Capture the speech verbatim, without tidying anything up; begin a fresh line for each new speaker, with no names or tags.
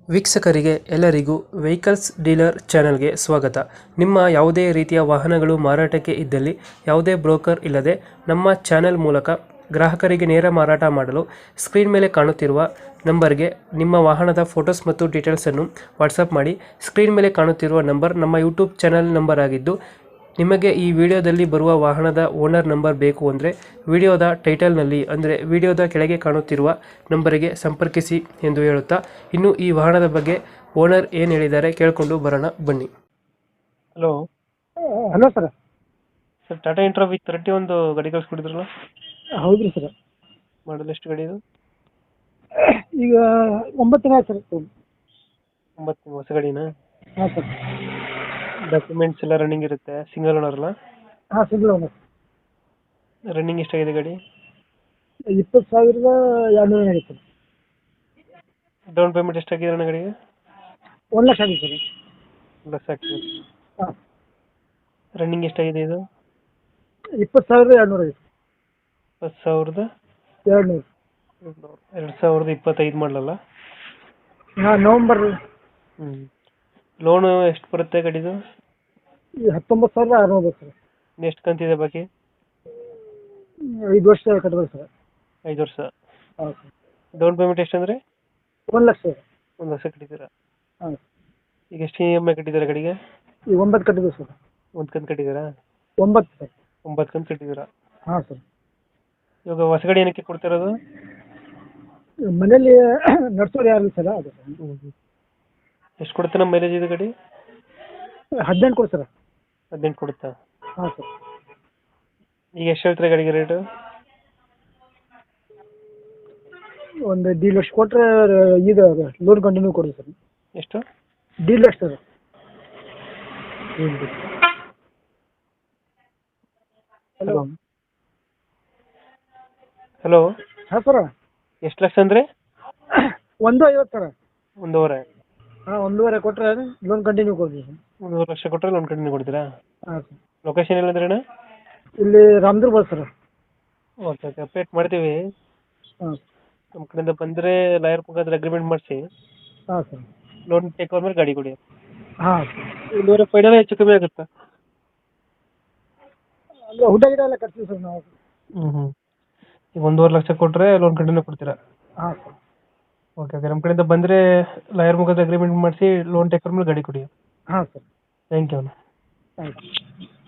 ವೀಕ್ಷಕರಿಗೆ ಎಲ್ಲರಿಗೂ vehicles dealer ಚಾನೆಲ್ಗೆ ಸ್ವಾಗತ. ನಿಮ್ಮ ಯಾವುದೇ ರೀತಿಯ ವಾಹನಗಳು ಮಾರಾಟಕ್ಕೆ ಇದ್ದಲ್ಲಿ ಯಾವುದೇ ಬ್ರೋಕರ್ ಇಲ್ಲದೆ ನಮ್ಮ ಚಾನೆಲ್ ಮೂಲಕ ಗ್ರಾಹಕರಿಗೆ ನೇರ ಮಾರಾಟ ಮಾಡಲು ಸ್ಕ್ರೀನ್ ಮೇಲೆ ಕಾಣುತ್ತಿರುವ ನಂಬರ್ಗೆ ನಿಮ್ಮ ವಾಹನದ ಫೋಟೋಸ್ ಮತ್ತು ಡೀಟೇಲ್ಸನ್ನು ವಾಟ್ಸಪ್ ಮಾಡಿ. ಸ್ಕ್ರೀನ್ ಮೇಲೆ ಕಾಣುತ್ತಿರುವ ನಂಬರ್ ನಮ್ಮ ಯೂಟ್ಯೂಬ್ ಚಾನೆಲ್ ನಂಬರ್ ಆಗಿದ್ದು, ನಿಮಗೆ ಈ ವಿಡಿಯೋದಲ್ಲಿ ಬರುವ ವಾಹನದ ಓನರ್ ನಂಬರ್ ಬೇಕು ಅಂದರೆ ವಿಡಿಯೋದ ಟೈಟಲ್ನಲ್ಲಿ ಅಂದರೆ ವಿಡಿಯೋದ ಕೆಳಗೆ ಕಾಣುತ್ತಿರುವ ನಂಬರಿಗೆ ಸಂಪರ್ಕಿಸಿ ಎಂದು ಹೇಳುತ್ತಾ, ಇನ್ನು ಈ ವಾಹನದ ಬಗ್ಗೆ ಓನರ್ ಏನು ಹೇಳಿದ್ದಾರೆ ಕೇಳಿಕೊಂಡು ಬರೋಣ ಬನ್ನಿ. Hello
hello sir.
Sir, Tata intra with thirty ಒಂದು ಗಾಡಿ ಕಳಿಸ್ಕೊಟ್ಟಿದ್ರಲ್ಲ,
ಹೌದ್ರಿ ಸರ್.
ಮಾಡಲ್ ಎಷ್ಟು ಗಾಡಿ ಇದು?
ಈಗ ಒಂಬತ್ತು ದಿನ ಆಯ್ತು ಸರ್.
ಒಂಬತ್ತು ಹೊಸ ಗಾಡಿನಾ?
ಹಾಂ ಸರ್.
ಡಾಕ್ಯುಮೆಂಟ್ಸ್ ಎಲ್ಲ ರನ್ನಿಂಗ್ ಇರುತ್ತೆ, ಸಿಂಗಲ್ ಓನರ್ ಅಲ್ಲ?
ಹಾಂ ಸಿಂಗಲ್ ಓನರ್.
ರನ್ನಿಂಗ್ ಎಷ್ಟಾಗಿದೆ ಗಾಡಿ?
ಇಪ್ಪತ್ತು ಸಾವಿರದ ಎರಡುನೂರ ಆಗೈತೆ ಸರ್.
ಡೌನ್ ಪೇಮೆಂಟ್ ಎಷ್ಟಾಗಿದೆ ಅಣ್ಣ ಗಾಡಿಗೆ?
ಒಂದು ಲಕ್ಷ ಆಗಿದೆ ಸರ್.
ಒಂದು ಲಕ್ಷ ಆಗ್ತದೆ.
ಹಾಂ.
ರನ್ನಿಂಗ್ ಎಷ್ಟಾಗಿದೆ ಇದು?
ಇಪ್ಪತ್ತು ಸಾವಿರದ ಎರಡುನೂರ ಐತೆ.
ಇಪ್ಪತ್ತು ಸಾವಿರದ
ಎರಡುನೂರು.
ಎರಡು ಸಾವಿರದ ಇಪ್ಪತ್ತೈದು ಮಾಡಲಲ್ಲ?
ಹಾಂ, ನವಂಬರ್.
ಹ್ಞೂ. ಲೋನು ಎಷ್ಟು ಬರುತ್ತೆ ಗಾಡಿದು?
ಈ ಹತ್ತೊಂಬತ್ತು ಸಾವಿರದ ಆರುನೂರು ಬರುತ್ತೆ ಸರ್.
ಎಷ್ಟು ಕಂತಿದೆ ಬಾಕಿ?
ಐದು ವರ್ಷ ಕಟ್ಬೇಕು ಸರ್.
ಐದು ವರ್ಷ.
ಹಾಂ ಸರ್.
ಡೌನ್ ಪೇಮೆಂಟ್ ಎಷ್ಟು ಅಂದರೆ?
ಒಂದು ಲಕ್ಷ ಸರ್.
ಒಂದು ಲಕ್ಷ ಕಟ್ಟಿದ್ದೀರಾ?
ಹಾಂ.
ಈಗ ಎಷ್ಟು ಇ ಎಮ್ ಐ ಕಟ್ಟಿದ್ದೀರಾ ಗಾಡಿಗೆ?
ಈಗ ಒಂಬತ್ತು ಕಟ್ಟಿದ್ದೀವಿ ಸರ್.
ಒಂದು ಕಂತು ಕಟ್ಟಿದ್ದೀರಾ?
ಒಂಬತ್ತು ಸರ್.
ಒಂಬತ್ತು ಕಂತು ಕಟ್ಟಿದ್ದೀರಾ?
ಹಾಂ ಸರ್.
ಇವಾಗ ಹೊಸ ಗಾಡಿ ಏನಕ್ಕೆ ಕೊಡ್ತಿರೋದು?
ಮನೇಲಿ ನಡ್ಸೋರು ಯಾರು ಸರ್, ಅದು ಸರ್.
ಹ್ಞೂ ಹ್ಞೂ. ಎಷ್ಟು ಕೊಡುತ್ತೆ ನಮ್ಮ ಮೈಲೇಜ್ ಇದು ಗಾಡಿ?
ಹದಿನೆಂಟು ಕೊಡಿ ಸರ್.
ಹದಿನೆಂಟು ಕೊಡುತ್ತಾ?
ಹಾಂ ಸರ್.
ಈಗ ಎಷ್ಟು ಹೇಳ್ತೀರಾ ಗಾಡಿಗೆ ರೇಟು?
ಒಂದು ಡಿ ಲಕ್ಷ ಕೊಟ್ಟರೆ ಇದು ಲೋನ್ ಕಂಟಿನ್ಯೂ ಕೊಡಿ ಸರ್.
ಎಷ್ಟು?
ಡಿ ಲಕ್ಷ ಸರ್.
ಹಲೋ ಹಲೋ
ಹಾಂ ಸರ.
ಎಷ್ಟು ಲಕ್ಷ ಅಂದರೆ?
ಒಂದು ಐವತ್ತು ಸರ.
ಒಂದೂವರೆ?
ಹಾಂ, ಒಂದೂವರೆ ಕೊಟ್ಟರೆ ಲೋನ್ ಕಂಟಿನ್ಯೂ ಕೊಡ್ತೀವಿ ಸರ್.
ಒಂದೂವರೆ ಲಕ್ಷ ಕೊಟ್ಟರೆ ಲೋನ್ ಕಂಟಿನ್ಯೂ ಕೊಡ್ತೀರಾ?
ಹಾಂ ಸರ್.
ಲೊಕೇಶನ್ ಎಲ್ಲಂದ್ರೆ ಅಣ್ಣ?
ಇಲ್ಲಿ Ramdurg sir.
Okay okay, update ಮಾಡ್ತೀವಿ.
ಹಾಂ.
ನಮ್ಮ ಕಡೆಯಿಂದ ಬಂದರೆ ಲಾಯರ್ ಮುಖಾಂತರ ಅಗ್ರಿಮೆಂಟ್ ಮಾಡಿಸಿ
ಹಾಂ ಸರ್.
ಲೋನ್ ಟೇಕ್ ಓವರ್ ಮೇಲೆ ಗಾಡಿ ಕೊಡಿ.
ಹಾಂ.
ಒಂದೂವರೆ ಫೈನಲ್ ಹೆಚ್ಚು ಕಮ್ಮಿ ಆಗುತ್ತಾ?
ಅಂದರೆ ಹುಡ್ಡ ಗಿಡ ಎಲ್ಲ ಕಟ್ತೀವಿ ಸರ್ ನಾವು.
ಹ್ಞೂ ಹ್ಞೂ. ಈಗ ಒಂದೂವರೆ ಲಕ್ಷ ಕೊಟ್ಟರೆ ಲೋನ್ ಕಂಟಿನ್ಯೂ ಕೊಡ್ತೀರಾ?
ಹಾಂ ಸರ್.
ಓಕೆ ಓಕೆ, ನಮ್ಮ ಕಡೆಯಿಂದ ಬಂದರೆ ಲಾಯರ್ ಮುಖಾಂತರ ಅಗ್ರಿಮೆಂಟ್ ಮಾಡಿಸಿ ಲೋನ್ ಟೇಕ್ ಓವರ್ ಮೇಲೆ ಗಾಡಿ ಕೊಡಿ.
ಹಾಂ ಸರ್.
ಥ್ಯಾಂಕ್ ಯು ಅಣ್ಣ.
Thank you.